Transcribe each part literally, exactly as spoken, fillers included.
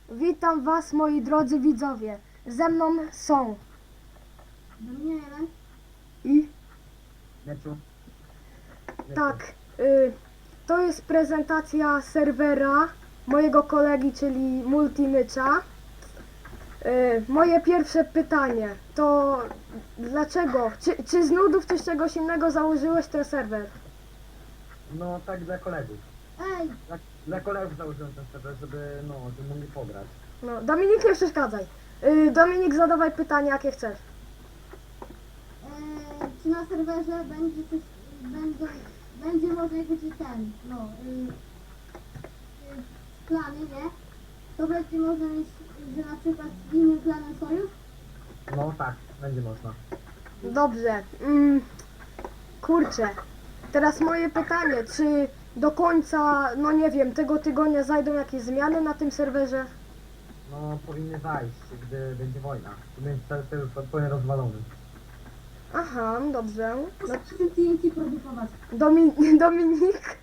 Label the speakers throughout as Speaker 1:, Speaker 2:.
Speaker 1: Witam was, moi drodzy widzowie. Ze mną są
Speaker 2: Daniele.
Speaker 1: i
Speaker 3: Meczu.
Speaker 1: tak, y, to jest prezentacja serwera mojego kolegi, czyli Multimycza. Y, moje pierwsze pytanie to dlaczego, czy, czy z nudów czy z czegoś innego założyłeś ten serwer?
Speaker 3: No tak dla kolegów.
Speaker 2: Ej,
Speaker 3: Dla, dla kolegów założyłem ten serwer, żeby no, żeby mogli pograć.
Speaker 1: No, Dominik, nie przeszkadzaj. Y, Dominik, zadawaj pytanie, jakie chcesz.
Speaker 2: e, czy na serwerze będzie coś, będą, będzie może jakiś ten, no, y, y, plany, nie? To będzie można mieć, że na przykład z innym klanem sojusz?
Speaker 3: No tak, będzie można.
Speaker 1: Dobrze. Mm, kurczę. Teraz moje pytanie, czy do końca, no nie wiem, tego tygodnia zajdą jakieś zmiany na tym serwerze?
Speaker 3: No powinny zajść, gdy będzie wojna. Będzie serwer już zupełnie rozwalony.
Speaker 1: Aha, dobrze. No,
Speaker 2: Muszę T N T produkować.
Speaker 1: Domi Dominik?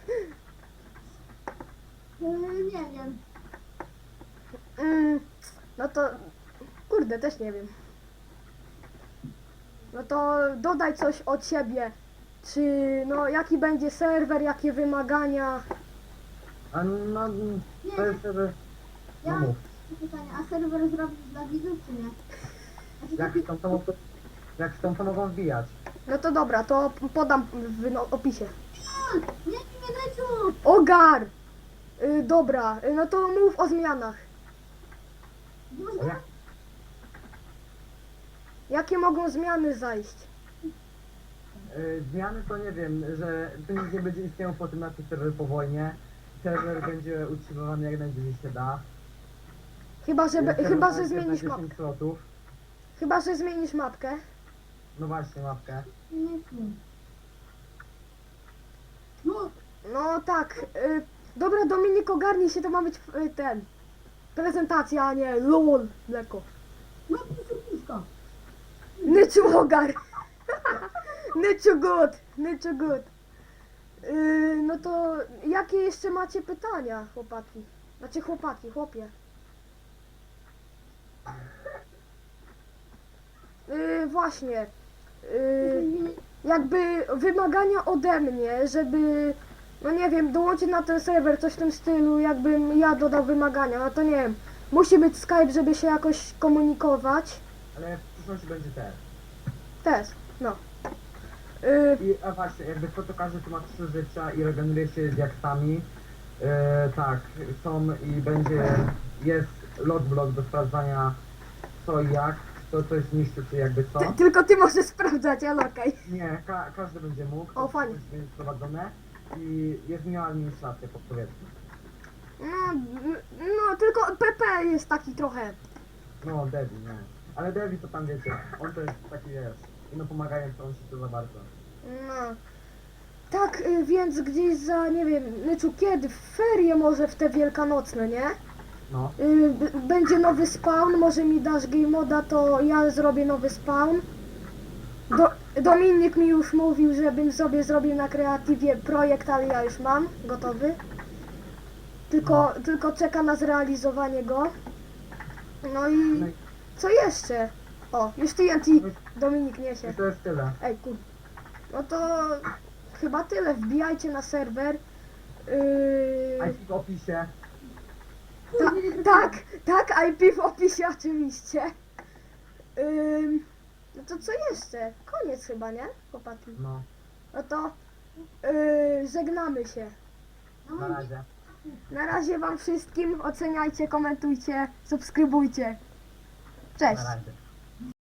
Speaker 2: E, nie wiem.
Speaker 1: Mm, no to, kurde, też nie wiem. No to dodaj coś od siebie. Czy, no, jaki będzie serwer, jakie wymagania?
Speaker 3: A no,
Speaker 2: Nie,
Speaker 3: to jest serwer...
Speaker 2: ja
Speaker 3: No
Speaker 2: mam
Speaker 3: mów.
Speaker 2: pytanie, a serwer zrobić dla widzów, czy nie? Znaczy
Speaker 3: Jak
Speaker 2: taki,
Speaker 3: chcą, to, mogą- jak chcą, to mogą wbijać.
Speaker 1: No to dobra, to podam w no, opisie.
Speaker 2: nie, nie, nie, leciu!
Speaker 1: Ogar! Y, dobra, y, no to mów o zmianach.
Speaker 3: A
Speaker 2: Można?
Speaker 3: jak,
Speaker 1: Jakie mogą zmiany zajść?
Speaker 3: y, zmiany to nie wiem, że to nic nie będzie istniało po tym na tym serwer po wojnie. Serwer będzie utrzymywany jak najdłużej się da.
Speaker 1: Chyba, że, be,
Speaker 3: Serwer
Speaker 1: chyba, że
Speaker 3: będzie
Speaker 1: zmienisz
Speaker 3: na dziesięć
Speaker 1: mapkę.
Speaker 3: slotów.
Speaker 1: Chyba, że zmienisz mapkę.
Speaker 3: No właśnie, mapkę.
Speaker 2: Nie, nie. No,
Speaker 1: No tak. Y, dobra, Dominik, ogarnij się, to ma być y, ten. Prezentacja, a nie lol, mleko.
Speaker 2: no, piszka.
Speaker 1: Nyczu ogar! Nyczu good! Nyczu good! Y, no to jakie jeszcze macie pytania, chłopaki? Znaczy chłopaki, chłopie. Y, właśnie. Y, jakby wymagania ode mnie, żeby, no nie wiem, dołączyć na ten serwer, coś w tym stylu, jakbym ja dodał wymagania, no to nie wiem, musi być Skype, żeby się jakoś komunikować,
Speaker 3: Ale w przyszłości będzie też.
Speaker 1: też, no. Y,
Speaker 3: I a właśnie, jakby kto to każdy tu ma trzy życia i regeneruje się diaksami. E, tak, są i będzie, jest logblock do sprawdzania co i jak, kto coś niszczy, czy jakby co.
Speaker 1: ty, tylko ty możesz sprawdzać, ale okej.
Speaker 3: Nie, ka każdy będzie mógł,
Speaker 1: O, fajnie.
Speaker 3: to będzie wprowadzone i jest miała administracja podpowiedź.
Speaker 1: No, n- no, tylko P P jest taki trochę,
Speaker 3: No, Devi, nie. Ale Devi to tam wiecie, on to jest taki wiesz, no pomagający, on się to za bardzo.
Speaker 1: no. Tak, y, więc gdzieś za, nie wiem, Nyczu, kiedy? W ferie może w te wielkanocne, nie?
Speaker 3: No,
Speaker 1: Y, b- będzie nowy spawn, może mi dasz game moda, to ja zrobię nowy spawn. Do, Dominik mi już mówił, żebym sobie zrobił na kreatywie projekt, ale ja już mam gotowy. Tylko, tylko czeka na zrealizowanie go. No i
Speaker 3: no i
Speaker 1: co jeszcze? O, już T N T Dominik niesie.
Speaker 3: i to jest tyle.
Speaker 1: Ej, kur... No to chyba tyle. Wbijajcie na serwer. Yy...
Speaker 3: I P w opisie.
Speaker 1: Ta, tak, tak, I P w opisie oczywiście. Ym, no to co jeszcze? Koniec chyba, nie? Chłopaki.
Speaker 3: No,
Speaker 1: No to yy, żegnamy się.
Speaker 3: na razie.
Speaker 1: Na razie wam wszystkim. Oceniajcie, komentujcie, subskrybujcie. Cześć.
Speaker 3: Na razie.